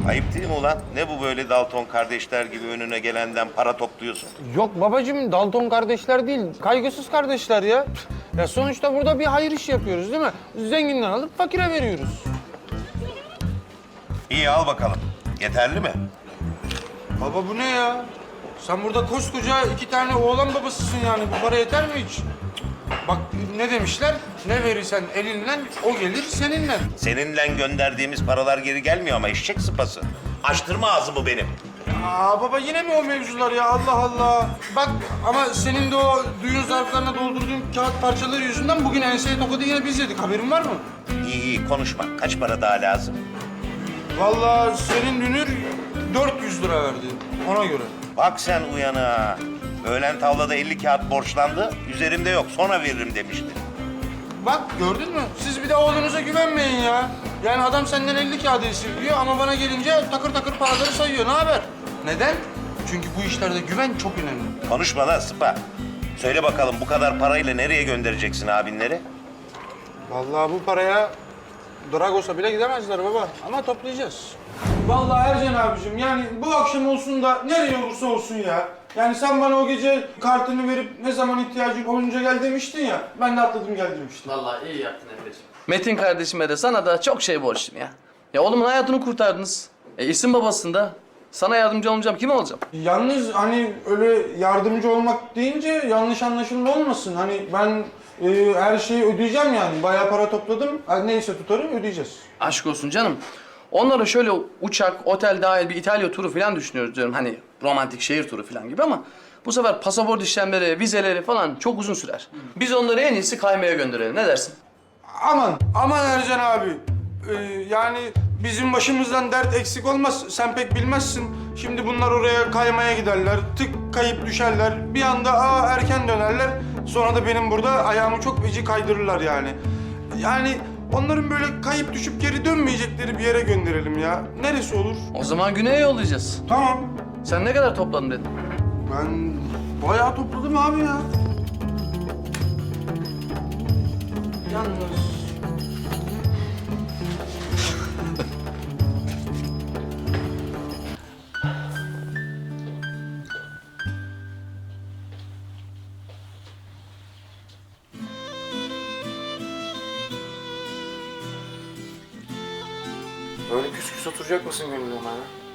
Ayıp değil mi ulan? Ne bu böyle Dalton kardeşler gibi önüne gelenden para topluyorsun? Yok babacığım, Dalton kardeşler değil, kaygısız kardeşler ya. Ya sonuçta burada bir hayır işi yapıyoruz değil mi? Zenginden alıp fakire veriyoruz. İyi al bakalım. Yeterli mi? Baba bu ne ya? Sen burada koskoca 2 tane oğlan babasısın yani. Bu para yeter mi hiç? Bak ne demişler? Ne verirsen elinle, o gelir seninle. Seninle gönderdiğimiz paralar geri gelmiyor ama eşek sıpası. Açtırma ağzımı benim. Aa baba yine mi o mevzular ya? Allah Allah. Bak ama senin de o düğün zarflarına doldurduğun kağıt parçaları yüzünden bugün enseye tokadı yine biz yedik. Haberin var mı? İyi iyi konuşma. Kaç para daha lazım? Vallahi senin dünür 400 lira verdi. Ona göre. Bak sen uyana. Öğlen tavlada 50 kağıt borçlandı. Üzerimde yok. Sonra veririm demişti. Bak gördün mü? Siz bir de oğlunuza güvenmeyin ya. Yani adam senden 50 kağıdı esirgiyor ama bana gelince takır takır paraları sayıyor. Ne haber? Neden? Çünkü bu işlerde güven çok önemli. Konuşma lan sıpa. Söyle bakalım bu kadar parayla nereye göndereceksin abinleri? Vallahi bu paraya Dragos'a bile gidemezler baba. Ama toplayacağız. Vallahi Ercan abicim yani bu akşam olsun da nereye olursa olsun ya. Yani sen bana o gece kartını verip ne zaman ihtiyacın olunca gel demiştin ya. Ben de atladım gel demiştim. Vallahi iyi yaptın Emre'ciğim. Metin kardeşime de sana da çok şey borçluyum ya. Ya oğlumun hayatını kurtardınız. İsim babasında. Sana yardımcı olmayacağım, kim olacağım? Yalnız hani öyle yardımcı olmak deyince yanlış anlaşılma olmasın. Hani ben her şeyi ödeyeceğim yani. Bayağı para topladım. Neyse tutarım ödeyeceğiz. Aşk olsun canım. Onlara şöyle uçak, otel dahil bir İtalya turu falan düşünüyoruz diyorum. Hani romantik şehir turu falan gibi ama bu sefer pasaport işlemleri, vizeleri falan çok uzun sürer. Biz onları en iyisi kaymaya gönderelim. Ne dersin? Aman Ercan abi. Yani bizim başımızdan dert eksik olmaz. Sen pek bilmezsin. Şimdi bunlar oraya kaymaya giderler. Tık kayıp düşerler. Bir anda erken dönerler. Sonra da benim burada ayağımı çok feci kaydırırlar yani. Yani onların böyle kayıp düşüp geri dönmeyecekleri bir yere gönderelim ya. Neresi olur? O zaman güneye yollayacağız. Tamam. Sen ne kadar topladın dedin? Ben bayağı topladım abi ya. Yalnız... Böyle küs küs oturacak mısın Gönül bana?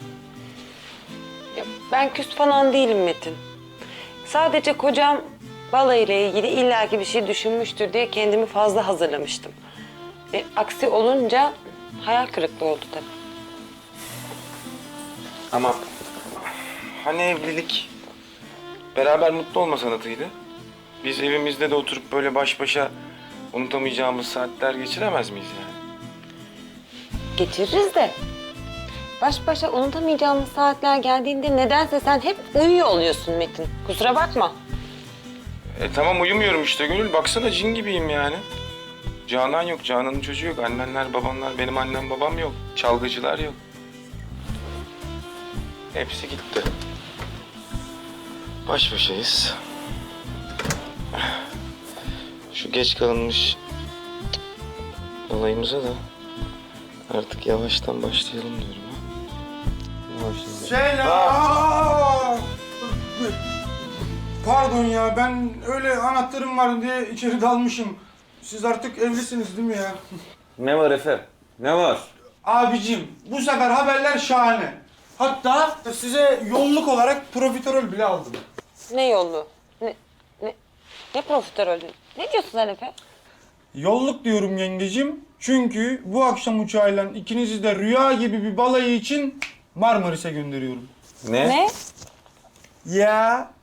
Ya ben küs falan değilim Metin. Sadece kocam balayıyla ilgili illaki bir şey düşünmüştür diye kendimi fazla hazırlamıştım. Aksi olunca hayal kırıklığı oldu tabii. Ama hani evlilik beraber mutlu olma sanatıydı. Biz evimizde de oturup böyle baş başa unutamayacağımız saatler geçiremez miyiz yani? Geçiririz de baş başa unutamayacağımız saatler geldiğinde nedense sen hep uyuyor oluyorsun Metin. Kusura bakma. Tamam uyumuyorum işte Gönül. Baksana cin gibiyim yani. Canan yok, Canan'ın çocuğu yok. Annenler, babanlar, benim annem babam yok. Çalgıcılar yok. Hepsi gitti. Baş başayız. Şu geç kalınmış olayımıza da artık yavaştan başlayalım diyorum ha. Selam. Pardon ya ben öyle anahtarım var diye içeri dalmışım. Siz artık evlisiniz değil mi ya? Ne var Efe? Ne var? Abicim bu sefer haberler şahane. Hatta size yolluk olarak profiterol bile aldım. Ne yolu? Ne profiterolü? Ne diyorsun sen Efe? Yolluk diyorum yengecim. Çünkü bu akşam uçağıyla ikinizi de rüya gibi bir balayı için Marmaris'e gönderiyorum. Ne? Ne? Ya